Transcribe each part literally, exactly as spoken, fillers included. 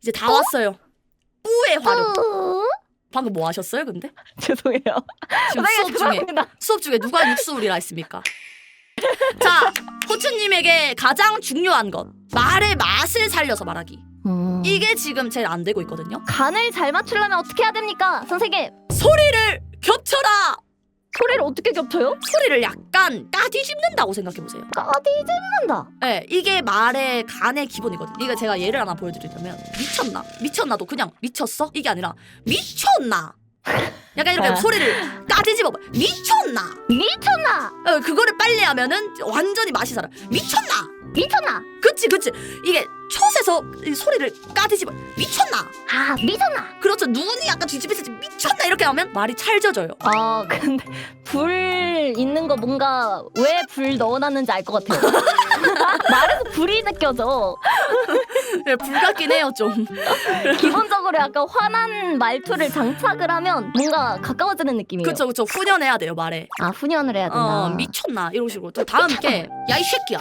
이제 다 왔어요. 뿌의 화력. 뿌. 방금 뭐 하셨어요, 근데? 죄송해요. 지금 선생님, 수업 중에 죄송합니다. 수업 중에 누가 육수울이라 했습니까? 자, 호추님에게 가장 중요한 것 말의 맛을 살려서 말하기. 음. 이게 지금 제일 안 되고 있거든요. 간을 잘 맞추려면 어떻게 해야 됩니까, 선생님? 소리를 겹쳐라. 소리를 어떻게 겹쳐요? 소리를 약간 까뒤집는다고 생각해보세요. 까디집는다. 네, 이게 말의 간의 기본이거든요. 이거 제가 예를 하나 보여드리자면 미쳤나? 미쳤나도 그냥 미쳤어? 이게 아니라 미쳤나? 약간 이렇게 아. 소리를 까뒤집어봐. 미쳤나? 미쳤나? 어, 그거를 빨리 하면은 완전히 맛이 살아. 미쳤나? 미쳤나? 그치 그치. 이게 촛에서 이 소리를 까뒤집어. 미쳤나? 아, 미쳤나? 그렇죠. 눈이 약간 뒤집혀서 미쳤나 이렇게 하면 말이 찰져져요. 아, 근데 불 있는 거 뭔가 왜 불 넣어놨는지 알 것 같아요. 말에서 불이 느껴져. 네, 불 같긴 해요 좀. 기본적으로 약간 화난 말투를 장착을 하면 뭔가 가까워지는 느낌이에요. 그쵸 그쵸. 훈연해야 돼요 말에. 아, 훈연을 해야 된다. 어 미쳤나 이런 식으로. 또 다음 게 야 이 새끼야.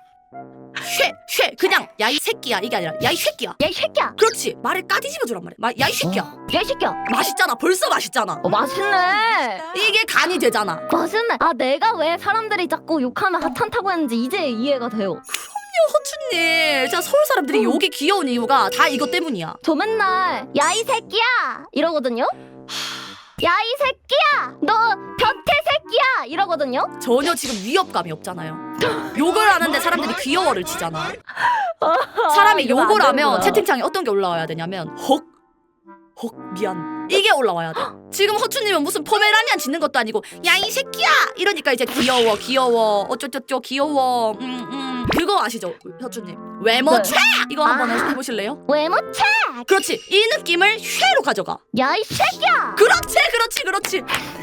쉐, 쉐 그냥 야 이 새끼야 이게 아니라 야 이 새끼야. 야, 이 새끼야! 그렇지. 말을 까뒤집어 주란 말이야. 야 이 새끼야. 야, 이 새끼야! 맛있잖아. 벌써 맛있잖아. 어, 맛있네! 이게 간이 되잖아. 맛있네! 아, 내가 왜 사람들이 자꾸 욕하면 하찮다고 했는지 이제 이해가 돼요. 호추님, 진짜 서울 사람들이 욕이 귀여운 이유가 다 이것 때문이야. 저 맨날 야, 이 새끼야! 이러거든요? 야, 이 새끼야! 너 변태 새끼야! 이러거든요? 전혀 지금 위협감이 없잖아요. 욕을 하는데 사람들이 귀여워를 치잖아. 사람이 이거 안 욕을 하면 되는구나. 채팅창에 어떤 게 올라와야 되냐면 헉, 헉 미안 이게 올라와야 돼. 지금 허추님은 무슨 포메라니안 짖는 것도 아니고 야 이 새끼야 이러니까 이제 귀여워 귀여워 어쩌쩌쩌 귀여워 음, 음. 그거 아시죠 허추님? 외모 네. 최 이거 한번 아. 해보실래요? 외모체! 그렇지 이 느낌을 쉐로 가져가. 야, 이 새끼야! 그렇지 그렇지 그렇지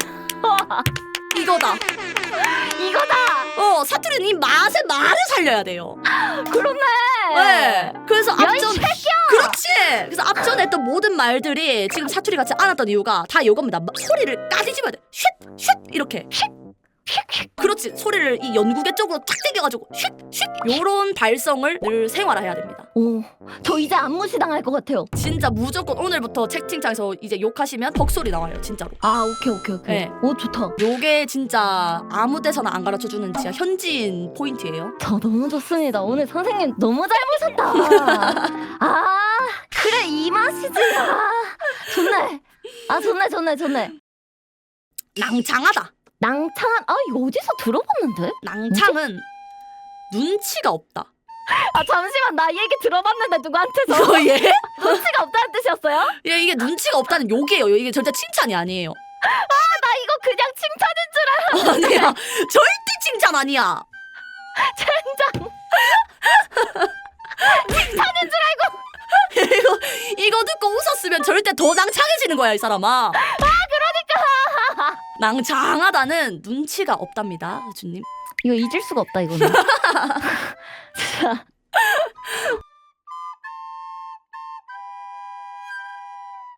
이거다. 이거다! 어 사투리는 이 맛의 말을 살려야 돼요. 그렇네! 네. 그래서 야, 이 앞전 새끼야! 그렇지. 그래서 앞전에 했던 모든 말들이 지금 사투리 같지 않았던 이유가 다 이겁니다. 마- 소리를 까뒤집어야 돼. 쉿, 쉿 이렇게. 그렇지. 소리를 이 연구개 쪽으로 탁 당겨가지고 쉿, 쉿 요런 발성을 늘 생활화해야 됩니다. 오, 저 이제 안무시당할 것 같아요. 진짜 무조건 오늘부터 채팅창에서 이제 욕하시면 벅소리 나와요. 진짜로. 아, 오케이, 오케이, 오케이. 네. 오, 좋다. 요게 진짜 아무 데서나 안 가르쳐주는 진짜 현지인 포인트예요. 저 너무 좋습니다. 오늘 선생님 너무 잘 보셨다. 아, 그래, 이 맛이지. 아, 좋네. 아, 좋네, 좋네, 좋네. 낭창하다. 낭창한, 아, 이거 어디서 들어봤는데? 낭창은 눈치가 없다. 아, 잠시만, 나 이 얘기 들어봤는데, 누구한테서. 어, 예? 눈치가 없다는 뜻이었어요? 예, 이게 눈치가 없다는 욕이에요. 이게 절대 칭찬이 아니에요. 나 이거 그냥 칭찬인 줄 아니야. 절대 칭찬 아니야. 젠장. 칭찬인 줄 알고. 이거 이거 듣고 웃었으면 절대 더 낭창해지는 거야, 이 사람아. 아, 그러니까. 낭창하다는 눈치가 없답니다, 주님. 이거 잊을 수가 없다, 이거는. 자.